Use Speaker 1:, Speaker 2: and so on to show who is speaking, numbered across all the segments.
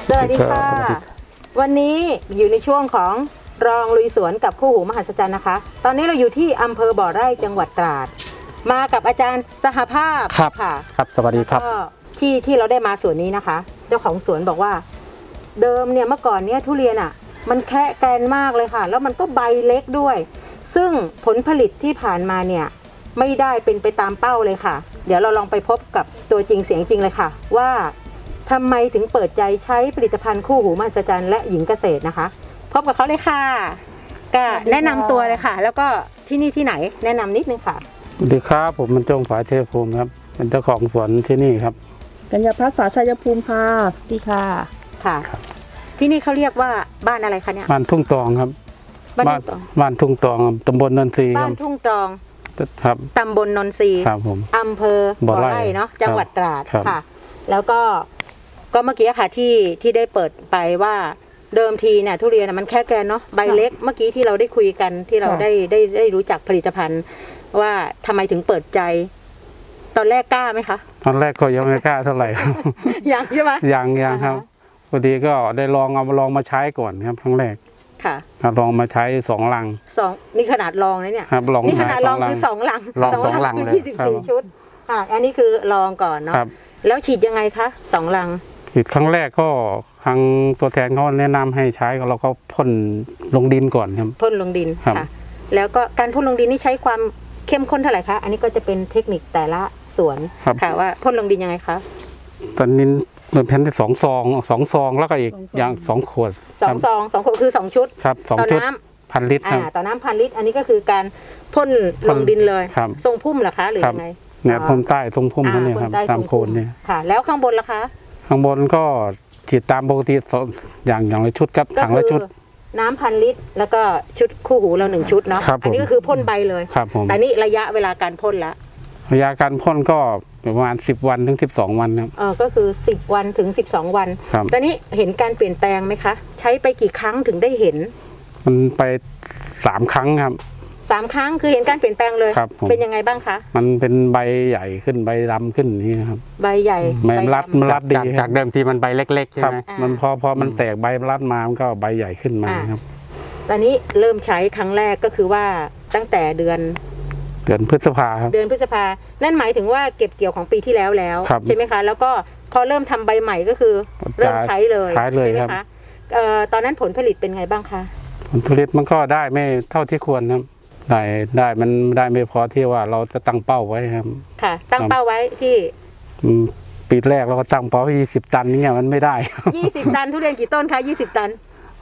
Speaker 1: สวัสดีค่ะวันนี้อยู่ในช่วงของรองลุยสวนกับคู่หูมหัศจรรย์นะคะตอนนี้เราอยู่ที่อำเภอบ่อไร่จังหวัดตราดมากับอาจารย์สหภาพค่ะ
Speaker 2: ครับสวัสดีครับ
Speaker 1: ที่เราได้มาสวนนี้นะคะเจ้าของสวนบอกว่าเดิมเนี่ยเมื่อก่อนเนี่ยทุเรียนอ่ะมันแค่แกนมากเลยค่ะแล้วมันก็ใบเล็กด้วยซึ่งผลผลิตที่ผ่านมาเนี่ยไม่ได้เป็นไปตามเป้าเลยค่ะเดี๋ยวเราลองไปพบกับตัวจริงเสียงจริงเลยค่ะว่าทำไมถึงเปิดใจใช้ผลิตภัณฑ์คู่หูมหัศจรรย์และหญิงเกษตรนะคะพบกับเขาเลยค่ะก็แนะนำตัวเลยค่ะแล้วก็ที่นี่ที่ไหนแนะนำนิดนึงค่ะ
Speaker 2: สวัสดีครับผมมันจงฝาเทพภูมิครับเป็นเจ้าของสวนที่นี่ครับ
Speaker 3: กัญญาพัฒน์ฝาชัยภูมิค่ะดีค่ะ
Speaker 1: ค่ะที่นี่เขาเรียกว่าบ้านอะไรคะเนี่ย
Speaker 2: บ้านทุ่งตองครับบ้านทุ่งตองตำบลนนทรี
Speaker 1: บ้านทุ่งตอง
Speaker 2: ครับ
Speaker 1: ตำบลนนทรี
Speaker 2: ครับผม
Speaker 1: อำเภอบ่อไร่เนาะจังหวัดตราดค่ะแล้วก็เมื่อกี้ค่ะที่ได้เปิดไปว่าเดิมทีเนี่ยทุเรียนมันแค่แกนเนาะใบเล็กเมื่อกี้ที่เราได้คุยกันที่เราได้รู้จักผลิตภัณฑ์ว่าทำไมถึงเปิดใจตอนแรกกล้าไหมคะ
Speaker 2: ตอนแรกก็ยังไม่กล้าเท่าไหร่
Speaker 1: ยังใช่ไหม
Speaker 2: ยังครับพอดีก็ได้ลองมาใช้ก่อนครับครั้งแรก
Speaker 1: ค่ะ
Speaker 2: ลองมาใช้2 ลัง
Speaker 1: นี่ขนาดลองนะเนี่ย
Speaker 2: ครับ
Speaker 1: นี่ขนาดลองคือ2 ลัง
Speaker 2: ลอง2 ลังเลย
Speaker 1: 24 ชุดค่ะอันนี้คือลองก่อนเนาะแล้วฉีดยังไงคะ2 ลัง
Speaker 2: ฉีดครั้งแรกก็ทางตัวแทนเขาแนะนำให้ใช้เราก็พ่นลงดินก่อนครับ
Speaker 1: พ่นลงดินค่ะแล้วก็การพ่นลงดินนี่ใช้ความเข้มข้นเท่าไหร่คะอันนี้ก็จะเป็นเทคนิคแต่ละสวนค่ะว่าพ่นลงดินยังไงคะ
Speaker 2: ตอนนี้เป็นแผ่นที่2 ซองแล้วก็อีกอย่าง2 ขวด
Speaker 1: 2 ซอง2 ขวดคือ2 ชุด
Speaker 2: ครับ2 ชุด1,000 ลิตรครับ
Speaker 1: ต่อน้ำ1,000 ลิตรอันนี้ก็คือการพ่นลงดินเลยทรงพุ่มเหรอคะหรือยังไง
Speaker 2: เนี่ยพ่นใต้ตรงพุ่มนั่นเองครับตามโคนเนี่ย
Speaker 1: ค่ะแล้วข้างบนล่ะคะ
Speaker 2: ข้างบนก็ฉีดตามปกติอย่างละชุดครับถังละชุด
Speaker 1: น้ำ1,000 ลิตรแล้วก็ชุดคู่หูเรา1 ชุดเนาะอันนี้ก็คือพ่นใบเลยแต่นี่ระยะเวลาการพ่นละ
Speaker 2: ระยะการพ่นก็ประมาณ10 วันถึง12 วันครับ
Speaker 1: ก็คือ10 วันถึง12 วันตอนนี้เห็นการเปลี่ยนแปลงไหมคะใช้ไปกี่ครั้งถึงได้เห็น
Speaker 2: มันไป3 ครั้งครับ
Speaker 1: 3 ครั้งคือเห็นการเปลี่ยนแปลงเลยเป็นยังไงบ้างคะ
Speaker 2: มันเป็นใบใหญ่ขึ้นใบดำขึ้นนี่ครับ
Speaker 1: ใบใหญ่
Speaker 2: มันรัดดี
Speaker 4: จากเดิมทีมันใบเล็กๆใช่ไหม
Speaker 2: มันพอมันแตกใบรัดมามันก็ใบใหญ่ขึ้นมาครับ
Speaker 1: ตอนนี้เริ่มใช้ครั้งแรกก็คือว่าตั้งแต่เดือน
Speaker 2: พฤษภาครับ
Speaker 1: เดือนพฤษภานั่นหมายถึงว่าเก็บเกี่ยวของปีที่แล้วใช่ไหมคะแล้วก็พอเริ่มทำใบใหม่ก็คือเริ่มใช้เลย
Speaker 2: ใช่ไหม
Speaker 1: คะตอนนั้นผลผลิตเป็นไงบ้างคะ
Speaker 2: ผลผลิตมันก็ได้ไม่เท่าที่ควรครับได้มันได้ไม่พอที่ว่าเราจะตั้งเป้าไว้ครับ
Speaker 1: ค่ะตั้งเป้าไว้ที่
Speaker 2: ปีแรกเราก็ตั้งเป้า20 ตันนี่มันไม่ได้
Speaker 1: 20 ตันทุเรียนกี่ต้นคะ20 ตัน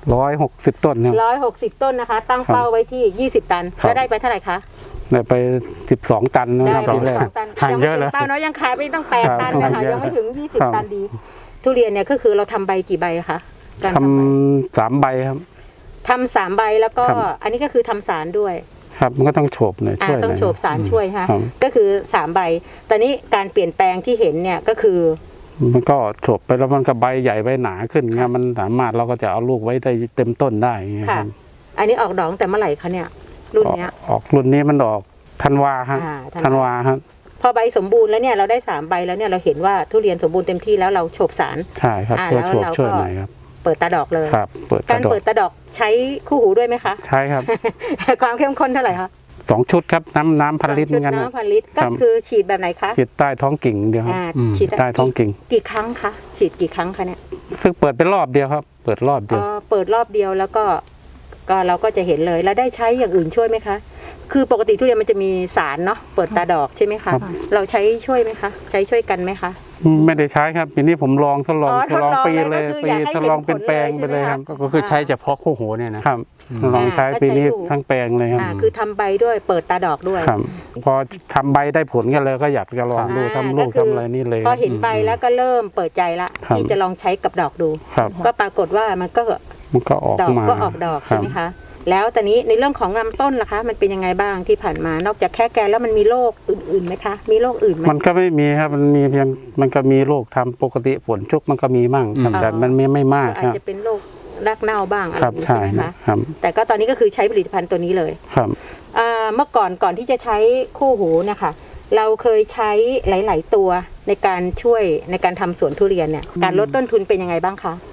Speaker 2: 160 ต้นครับ
Speaker 1: 160 ต้นนะคะตั้งเป้าไว้ที่20 ตันแล้วได้ไปเท่าไหร่คะ
Speaker 2: ได้ไป12 ตัน
Speaker 1: นะครับ
Speaker 2: ปีแรก
Speaker 4: ห่างเยอะเลย
Speaker 1: เป้าน้อยยังขายไปต้อง8 ตันนะคะยังไม่ถึง20 ตันดีทุเรียนเนี่ยก็คือเราทำใบกี่ใบคะ
Speaker 2: ทำ3 ใบครับ
Speaker 1: ทำ3 ใบแล้วก็อันนี้ก็คือทำสารด้วย
Speaker 2: ครับมันก็ต้องโฉบหน่อยช่วย
Speaker 1: ต้องโฉบสารช่วยค่ะก็คือ3 ใบตอนนี้การเปลี่ยนแปลงที่เห็นเนี่ยก็คือ
Speaker 2: มันก็โฉบไปแล้วมันก็ใบใหญ่ใบหนาขึ้นไงมันสามารถเราก็จะเอาลูกไว้ได้เต็มต้นได้
Speaker 1: ค่ะอันนี้ออกดอกแต่เมื่อไหร่คะเนี่ยรุ่นนี้
Speaker 2: ออกรุ่นนี้มันออกธันวาครับธันวาครับ
Speaker 1: พอใบสมบูรณ์แล้วเนี่ยเราได้3 ใบแล้วเนี่ยเราเห็นว่าทุเรียนสมบูรณ์เต็มที่แล้วเราโฉบสาร
Speaker 2: ใช่ครับช่วยหน่อยครับ
Speaker 1: เปิดตาดอกเลย
Speaker 2: ครับ
Speaker 1: การเปิดตาดอกใช้คู่หูด้วยไหมคะ
Speaker 2: ใช่ครับ
Speaker 1: ความเข้มข้นเท่าไหร่คะ
Speaker 2: 2 ชุดครับน้ำ1,000 ลิตรเหมือนกัน
Speaker 1: น้ำ1,000 ลิตรก็คือฉีดแบบไหนคะ
Speaker 2: ฉีดใต้ท้องกิ่งเดียวครับ
Speaker 1: ฉีด
Speaker 2: ใต้ท้องกิ่ง
Speaker 1: กี่ครั้งคะฉีดกี่ครั้งคะเนี่ย
Speaker 2: ซึ่งเปิดเป็นรอบเดียวครับเปิดรอบเดียว
Speaker 1: เปิดรอบเดียวแล้วก็เราก็จะเห็นเลยแล้วได้ใช้อย่างอื่นช่วยไหมคะคือปกติทุเรียนมันจะมีสารเนาะเปิดตาดอกใช่ไหมคะเราใช้ช่วยไหมคะใช้ช่วยกันไหมคะ
Speaker 2: ไม่ได้ใช้ครับปีนี้ผมทดลองปีเลยทดลองเป็นแปลงไปเลยครับ
Speaker 4: ก็คือใช้เฉพาะคู่หูเนี่ยนะครับ
Speaker 2: ลองใช้ปีนี้ทั้งแปลงเลยครับ
Speaker 1: คือทำใบด้วยเปิดตาดอกด้วย
Speaker 2: พอทำใบได้ผลกันเลยก็อยากจะลองดูทำลูกทำอะไรนี่เลย
Speaker 1: พอเห็นใบแล้วก็เริ่มเปิดใจละที่จะลองใช้กับดอกดูก็ปรากฏว่ามันก็
Speaker 2: ออกมา
Speaker 1: ออกดอกใช่ไหมคะแล้วตอนนี้ในเรื่องของลำต้นล่ะคะมันเป็นยังไงบ้างที่ผ่านมานอกจากแค่แกนแล้วมันมีโรคอื่นๆไหมคะมีโรคอื่นไหม
Speaker 2: มันก็ไม่มีครับมันก็มีโรคทำปกติฝนชุกมันก็มีมั่งแต่มันไม่มาก
Speaker 1: อาจจะเป็นโรครากเน่าบ้างอะไร
Speaker 2: ใช่ไหม
Speaker 1: คะแต่ก็ตอนนี้ก็คือใช้ผลิตภัณฑ์ตัวนี้เลย
Speaker 2: ครับ
Speaker 1: เมื่อก่อนที่จะใช้คู่หูเนี่ยค่ะเราเคยใช้หลายๆตัวในการช่วยในการทำสวนทุเรียนเนี่ยการลดต้นทุนเป็นยังไงบ้างคะ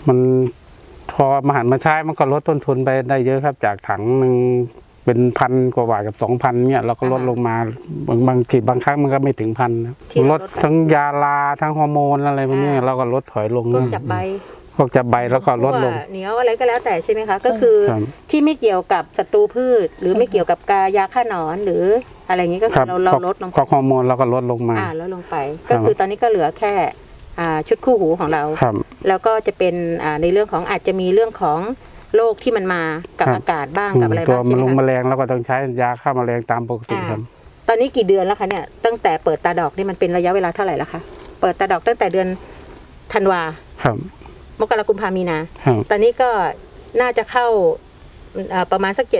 Speaker 2: มันพอมาหันมาใช้มันก็ลดต้นทุนไปได้เยอะครับ จากถังหนึ่งเป็น1,000 กว่าบาทกับ 2,000เนี่ยเราก็ลดลงมาบางทีบางครั้งมันก็ไม่ถึง1,000นะลดทั้งยาลาทั้งฮอร์โมนอะไรพวกนี้เราก็ลดถอยลง
Speaker 1: พวกจับใบ
Speaker 2: พวกจับใบแล้วก็ลดลง
Speaker 1: เหนียวอะไรก็แล้วแต่ใช่ไหมคะก็คือ
Speaker 2: ครับ
Speaker 1: ที่ไม่เกี่ยวกับศัตรูพืช หรือไม่เกี่ยวกับยาฆ่าหนอนหรืออะไรอย่างนี้ก็คือเราลดลง
Speaker 2: พวกฮอร์โมนเราก็ลดลงมา
Speaker 1: ลดลงไป ก็คือตอนนี้ก็เหลือแค่ชุดคู่หูของเรา
Speaker 2: ครับ
Speaker 1: แล้วก็จะเป็นในเรื่องของอาจจะมีเรื่องของโรคที่มันมากับ
Speaker 2: ครับ
Speaker 1: อากาศบ้างกับอะไร
Speaker 2: ตัว
Speaker 1: บ้าง
Speaker 2: มั
Speaker 1: ใช่
Speaker 2: น
Speaker 1: ไห
Speaker 2: ล
Speaker 1: ม
Speaker 2: งแม
Speaker 1: คะ
Speaker 2: ลงแล้วก็ต้องใช้ยาฆ่าแมลงตามปกติครับ
Speaker 1: ตอนนี้กี่เดือนแล้วคะเนี่ยตั้งแต่เปิดตาดอกนี่มันเป็นระยะเวลาเท่าไหร่แล้วคะเปิดตาดอกตั้งแต่เดือนธันวา
Speaker 2: ครับ
Speaker 1: มกราคมกุมภามีนา
Speaker 2: ครับ
Speaker 1: ตอนนี้ก็น่าจะเข้าประมาณสัก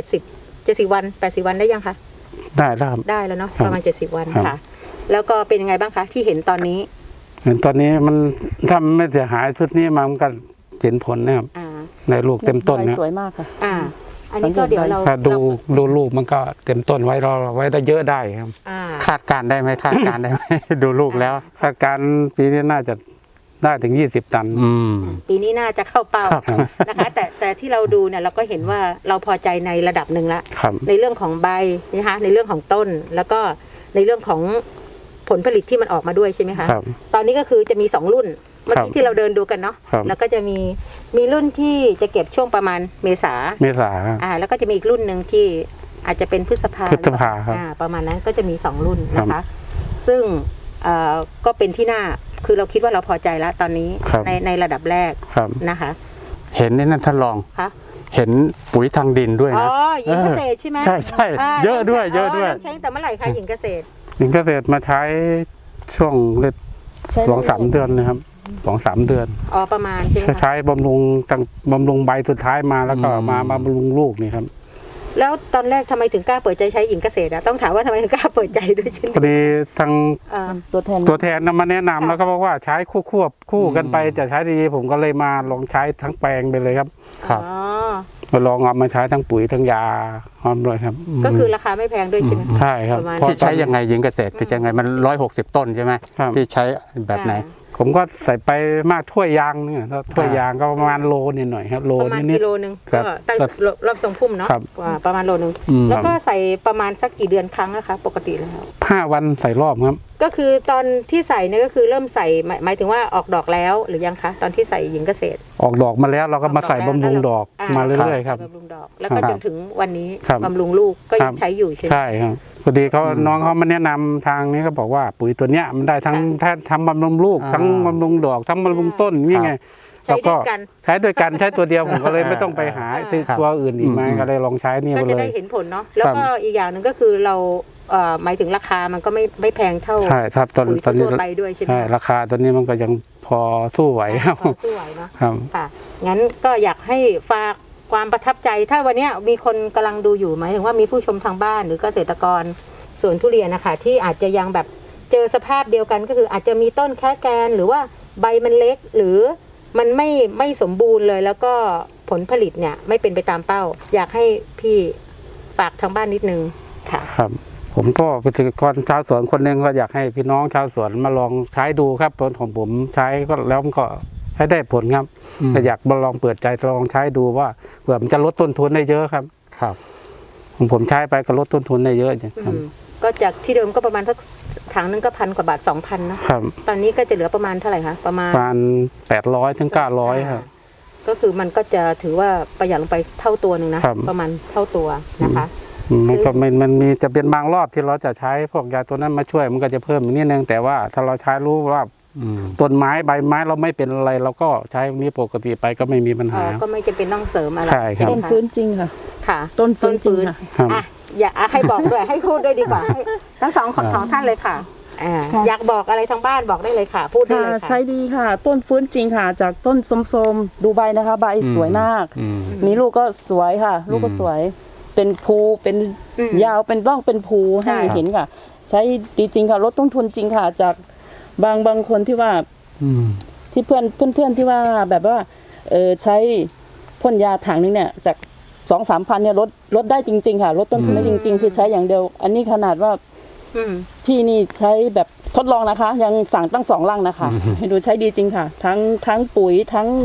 Speaker 1: 70 วัน80 วันได้ยังคะ
Speaker 2: ได้แล้วครับ
Speaker 1: ได้แล้วเนาะ
Speaker 2: ครับ
Speaker 1: ประมาณ70 วัน
Speaker 2: ครับ
Speaker 1: ค่ะ แล้วก็เป็นยังไงบ้างคะที่เห็นตอนนี้
Speaker 2: เห็นตอนนี้มันถ้ามันไม่เสียหายชุดนี้มันก็เห็นผลนะครับ
Speaker 1: อ่า
Speaker 2: ในลูกเต็มต้น
Speaker 3: ใบ
Speaker 2: นะ
Speaker 3: สวยมากค่ะ
Speaker 1: อันนี้ก็เดี๋ยวเรา
Speaker 2: ถ้าดูลูกมันก็เต็มต้นไว้เราไว้ได้เยอะได้ครับ
Speaker 1: อ่า
Speaker 4: คาดการณ์ได้ไหมคาดการณ์ได้ไหม ดูลูกแล้ว
Speaker 2: คาดการณ์ปีนี้น่าจะได้ถึง20 ตัน
Speaker 4: อืม
Speaker 1: ปีนี้น่าจะเข้าเป้า
Speaker 2: ครับ
Speaker 1: นะคะ แต่ที่เราดูเนี่ยเราก็เห็นว่าเราพอใจในระดับหนึ่งละ
Speaker 2: ครับ
Speaker 1: ในเรื่องของใบนะคะในเรื่องของต้น แล้วก็ในเรื่องของผลผลิตที่มันออกมาด้วยใช่ไหมคะ
Speaker 2: ครับ
Speaker 1: ตอนนี้ก็คือจะมี2รุ่นเมื่อ
Speaker 2: ครับ
Speaker 1: กี้ที่เราเดินดูกันเนาะ
Speaker 2: ครับ
Speaker 1: แล้วก็จะมีรุ่นที่จะเก็บช่วงประมาณเมษา
Speaker 2: เมษาครับ
Speaker 1: แล้วก็จะมีอีกรุ่นหนึ่งที่อาจจะเป็นพฤษภา
Speaker 2: พฤษภาครับ
Speaker 1: ประมาณนั้นก็จะมี2รุ่นนะคะ ซึ่งก็เป็นที่น่าคือเราคิดว่าเราพอใจแล้วตอนนี้
Speaker 2: ครับ
Speaker 1: ในระดับแรก
Speaker 2: ครับ
Speaker 1: นะคะ
Speaker 4: เห็นนี่นั่นท่านรอง
Speaker 1: คะ
Speaker 4: เห็นปุ๋ยทางดินด้วย
Speaker 1: อ๋อ
Speaker 4: นะ
Speaker 1: หญิงเกษตรใช่ไหม
Speaker 4: ใช่ใช่เยอะด้วยเยอะด้วย
Speaker 1: ใช้ตั้งแต่เมื่อไหร่คะหญิงเกษตร
Speaker 2: หญิงเกษตรมาใช้ช่วงเล็ด
Speaker 3: ใช้
Speaker 2: 2-3 เดือนนะครับ 2-3 เดือน
Speaker 1: ประมาณใช่ไหมคะ
Speaker 2: ใช้บำรุงใบสุดท้ายมาแล้วก็
Speaker 4: อืม
Speaker 2: มาบำรุงลูกนี่ครับ
Speaker 1: แล้วตอนแรกทำไมถึงกล้าเปิดใจใช้หญิงเกษตรอะต้องถามว่าทำไมถึงกล้าเปิดใจด้วยเช่น
Speaker 2: พอดีทาง
Speaker 3: ตัวแทน
Speaker 2: ตัวแทนนำมาแนะนำแล้วก็บอกว่าใช้คู่กันไปจะใช้ดีผมก็เลยมาลองใช้ทั้งแปลงไปเลยครับ
Speaker 4: ครับ
Speaker 1: อ๋อ
Speaker 2: มาลองเอามาใช้ทั้งปุ๋ยทั้งยาหอมเลยครับ
Speaker 1: ก็คือราคาไม่แพงด้วยใช่ไหมคะ
Speaker 2: ใช่ครับ
Speaker 1: ประมาณ
Speaker 2: เพราะ
Speaker 4: ที่ใช้ยังไงหญิงเกษตรที่ใช้ยังไงมัน160 ต้นใช่ไหม
Speaker 2: ครับ
Speaker 4: ที่ใช้แบบไหน
Speaker 2: ผมก็ใส่ไปมากถ้วยยางเนี่ยถ้วยยางก็ประมาณโลนิดหน่อยครับโล
Speaker 1: ประมาณ
Speaker 2: นิด
Speaker 1: กิโลนึง
Speaker 2: ครั
Speaker 1: ก็
Speaker 2: บ
Speaker 1: ตั้งรอบทรงพุ่มเนาะ
Speaker 2: ครับ
Speaker 1: ประมาณโลนึง
Speaker 4: อืม
Speaker 1: แล้วก็ใส่ประมาณสักกี่เดือนครั้งนะคะปกติแล้ว
Speaker 2: 5 วันใส่รอบครับ
Speaker 1: ก็คือตอนที่ใส่เนี่ยก็คือเริ่มใส่หมายถึงว่าออกดอกแล้วหรือยังคะตอนที่ใส่หญิงเกษตร
Speaker 2: ออกดอกมาแล้วเราก็มาใส่บำรุงดอกมาเรื่อยๆครับ
Speaker 1: ใส่บำรุงดอกแล้วก็
Speaker 2: ครับ
Speaker 1: จนถึงวันนี้
Speaker 2: ครับ
Speaker 1: บำรุงลูกก็
Speaker 2: ครั
Speaker 1: ยัง
Speaker 2: บ
Speaker 1: ใช้อยู่ใช่ไหม
Speaker 2: ใช่ครับพอดีเขาน้องเขามาแนะนำทางนี้เขาบอกว่าปุ๋ยตัวเนี้ยมันได้ทั้งทั้งบำรุงลูก
Speaker 4: อ่า
Speaker 2: ทั้งบำรุงดอกทั้งบำรุงต้นนี่ไง
Speaker 1: ใช้ด้วยกัน
Speaker 2: ใช้ด้วยกันใช้ตัวเดียวผมก็เลยไม่ต้องไปหาที่
Speaker 4: ครับ
Speaker 2: ตัวอื่นอีกมา
Speaker 4: อืม
Speaker 2: ก็เลยลองใช้นี่
Speaker 1: ก็
Speaker 2: ไป
Speaker 1: จะ
Speaker 2: เล
Speaker 1: ได้
Speaker 2: ย
Speaker 1: เห็นผลเนาะแล้วก็อีกอย่างหนึ่งก็คือเราหมายถึงราคามันก็ไม่แพงเท่า
Speaker 2: ใช่ครับตอน
Speaker 1: ปุ๋ย
Speaker 2: ตอนนี้
Speaker 1: ทั่วไปด้วยใช่ไหม
Speaker 2: ใช่ราคาตอนนี้มันก็ยังพอสู้ไหวครับ
Speaker 1: พอสู้ไหวเนาะ
Speaker 2: ครับ
Speaker 1: ค่ะงั้นก็อยากให้ฝากความประทับใจถ้าวันเนี้ยมีคนกำลังดูอยู่หมายถึงว่ามีผู้ชมทางบ้านหรือเกษตรกรสวนทุเรียนนะคะที่อาจจะยังแบบเจอสภาพเดียวกันก็คืออาจจะมีต้นแค่แกนหรือว่าใบมันเล็กหรือมันไม่สมบูรณ์เลย แล้วก็ผลผลิตเนี่ยไม่เป็นไปตามเป้า อยากให้พี่ฝากทางบ้านนิดนึงค่ะ
Speaker 2: ครับ ผมก็เป็นเกษตรกรชาวสวนคนหนึ่งก็อยากให้พี่น้องชาวสวนมาลองใช้ดูครับผลของผมใช้ก็แล้วมันก็ให้ได้ผลครับ
Speaker 4: อืม
Speaker 2: แต่อยากมาลองเปิดใจลองใช้ดูว่าเผื่อมันจะลดต้นทุนได้เยอะครับ
Speaker 4: ครับ
Speaker 2: ผมใช้ไปก็ลดต้นทุนได้เยอะจริงครับ
Speaker 1: ก็จากที่เดิมก็ประมาณสักถังนึงก็1,000 กว่าบาท 2,000นะครับ ตอนนี้ก็จะเหลือประมาณเท่าไหร่คะประมาณ
Speaker 2: ประมาณ800ถึง900ครับ
Speaker 1: ก็คือมันก็จะถือว่าประหยัดลงไปเท่าตัวหนึ่งนะครับ ประมาณเท่าตัวนะคะ
Speaker 2: มันก็มันมีจะเป็นบางรอบที่เราจะใช้พวกยาตัวนั้นมาช่วยมันก็จะเพิ่มอีกนิดนึงแต่ว่าถ้าเราใช้รู้ว่า
Speaker 4: อืม
Speaker 2: ต้นไม้ใบไม้เราไม่เป็นอะไรเราก็ใช้พวกนี้ปกติไปก็ไม่มีปัญหา
Speaker 1: ก็ไม่จำเป็นต้องเสริมอะไร
Speaker 2: ใช่ครับ
Speaker 3: ต้น
Speaker 1: ไหมคะ
Speaker 3: ฟื้นจริงค่ะ
Speaker 1: ค่ะ
Speaker 3: ต้นฟื้นจริงค่ะ
Speaker 2: ครับ
Speaker 1: อ่ะอย่าให้บอกด้วย ให้พูดด้วยดีกว่าให้ทั้งสองท่านเลยค่ะอยากบอกอะไรทางบ้านบอกได้เลยค่ะ พูดได้
Speaker 3: ค่ะ
Speaker 1: เลย
Speaker 3: ใช้
Speaker 1: ค่ะ
Speaker 3: ดีค่ะ ต้นฟื้นจริงค่ะ จากต้นสมๆดูใบนะคะ ใบสวยมาก
Speaker 4: อืม
Speaker 3: มีลูกก็สวยค่ะ ลูกก็สวย เป็นภูเป็น
Speaker 1: อืม
Speaker 3: ยาวเป็นร่องเป็นภู
Speaker 1: ใช่
Speaker 3: ให้เห็นค่ะ ใช้ดีจริงค่ะลดต้นทุนจริงค่ะ จากบางคนที่ว่า
Speaker 4: อืม
Speaker 3: ที่เพื่อนที่ว่าแบบว่าใช้พ่นยาถังนึงเนี่ยจาก2-3 พันเนี่ยลดได้จริง ๆ ค่ะลดต้นทุนได้จริง ๆ คือใช้อย่างเดียว อันนี้ขนาดว่า
Speaker 1: อืม
Speaker 3: พี่นี่ใช้แบบทดลองนะคะ ยังสั่งตั้ง2 ลังนะคะให้ดูใช้ดีจริงค่ะ ทั้งปุ๋ยทั้ง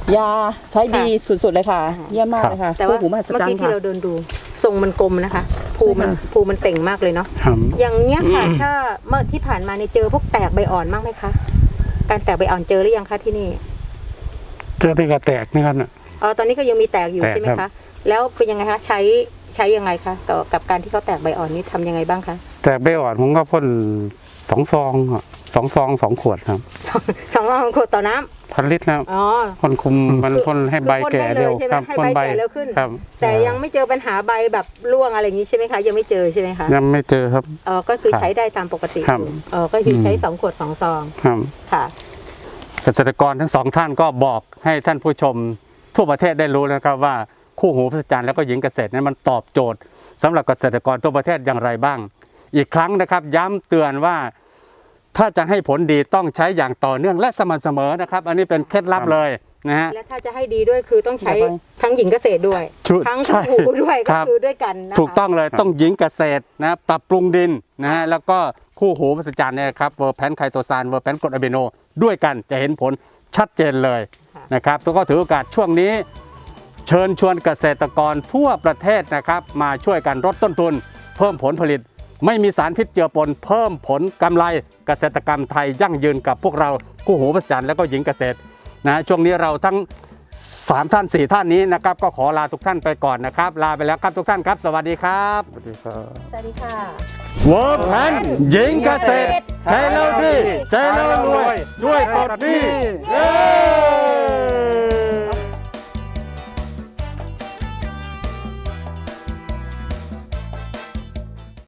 Speaker 3: ยาใช้ดีสุดๆเลยค่ะ เยี่ยมมากเลยค่ะ
Speaker 1: แต่ว่า
Speaker 3: คู่หูมหัศ
Speaker 1: เมื่อ
Speaker 3: จรร
Speaker 1: กี้
Speaker 3: ย์
Speaker 1: ที่
Speaker 3: ค่ะ
Speaker 1: เราเดินดูทรงมันกลมนะคะภูมันเต่งมากเลยเนาะ
Speaker 2: ครับ
Speaker 1: อย่างเนี้ยค่ะ ถ้าเมื่อที่ผ่านมาเนี่ยเจอพวกแตกใบอ่อนมากไหมคะการแตกใบอ่อนเจอหรือยังคะที่นี่
Speaker 2: เจอที่กระแตกนี่ครับน่ะ
Speaker 1: อ๋อตอนนี้ก็ยังมีแตกอยู่
Speaker 2: แตก
Speaker 1: ใช่ไหม
Speaker 2: ครั
Speaker 1: คะ
Speaker 2: บ
Speaker 1: แล้วเป็นยังไงคะใช้ยังไงคะต่อกับการที่เขาแตกใบอ่อนนี้ทำยังไงบ้างคะ
Speaker 2: แตกใบอ่อนผมก็พ่น2 ซองอะ2 ซอง 2 ขวดครับ
Speaker 1: สองรอบขวดต่อน้ำ
Speaker 2: 1,000 ลิตรนะครับ
Speaker 1: อ๋อ
Speaker 2: พ่นคุมมันพ่นให้ใบ
Speaker 1: คือพ่น
Speaker 2: แก่
Speaker 1: ได้เลย
Speaker 2: เร็ว
Speaker 1: ใช่ไหม
Speaker 2: ครับ
Speaker 1: ให้
Speaker 2: พ่น
Speaker 1: ใบแก่เร็วขึ้น
Speaker 2: ครับ
Speaker 1: แต่ยังไม่เจอปัญหาใบแบบร่วงอะไรอย่างนี้ใช่ไหมคะยังไม่เจอใช่ไหมคะ
Speaker 2: ยังไม่เจอครับ
Speaker 1: อ๋อก็คือ
Speaker 2: ครับ
Speaker 1: ใช้ได้ตามปกติ
Speaker 2: ครับ
Speaker 1: อยู่อ๋อก็คือใช้2 ขวด 2 ซอง
Speaker 2: ครับ
Speaker 1: ค่ะ
Speaker 4: เกษตรกรทั้งสองท่านก็บอกให้ท่านผู้ชมทั่วประเทศได้รู้นะครับว่าคู่หูมหัศจรรย์แล้วก็หญิงเกษตรนั้นมันตอบโจทย์สำหรับเกษตรกรทั่วประเทศอย่างไรบ้าง อีกครั้งนะครับย้ำเตือนว่าถ้าจะให้ผลดีต้องใช้อย่างต่อเนื่องและสม่ำเสมอนะครับ อันนี้เป็นเคล็ดลับเลยนะฮะ
Speaker 1: และถ้าจะให้ดีด้วยคือต้องใช้
Speaker 3: เดี๋ยวไป
Speaker 1: ทั้งหญิงเกษตรด้วย
Speaker 4: ชุด
Speaker 1: ทั้ง
Speaker 4: ใช่
Speaker 1: คู่หูด้วย
Speaker 4: ค
Speaker 1: ก็
Speaker 4: รับ
Speaker 1: คือด้วยกันนะคะ
Speaker 4: ถูกต้องเลยต้องหญิงเกษตรนะปรับปรุงดินนะฮะแล้วก็คู่หูมหัศจรรย์เนี่ยครับเวอร์แพนไคโตซานเวอร์แพนกรดอะมิโนด้วยกันจะเห็นผลชัดเจนเลยนะครับแล้วก็ถือโอกาสช่วงนี้ เชิญชวนเกษตรกรทั่วประเทศนะครับมาช่วยกันลดต้นทุน เพิ่มผลผลิต ไม่มีสารพิษเจือปน เพิ่มผลกำไรเกษตรกรรมไทยยั่งยืนกับพวกเราคู่หูมหัศจรรย์และก็หญิงเกษตรนะช่วงนี้เราทั้ง 3 ท่าน 4 ท่านนี้นะครับก็ขอลาทุกท่านไปก่อนนะครับ ลาไปแล้วครับทุกท่านครับ สวัสดีครับ
Speaker 2: สวัสดีครับ
Speaker 1: สวัสดีค่ะ
Speaker 4: เวิร์กแพนหญิงเกษตร ใช้แล้วดี ใช้แล้วรวย ช่วยปลดหนี้เย้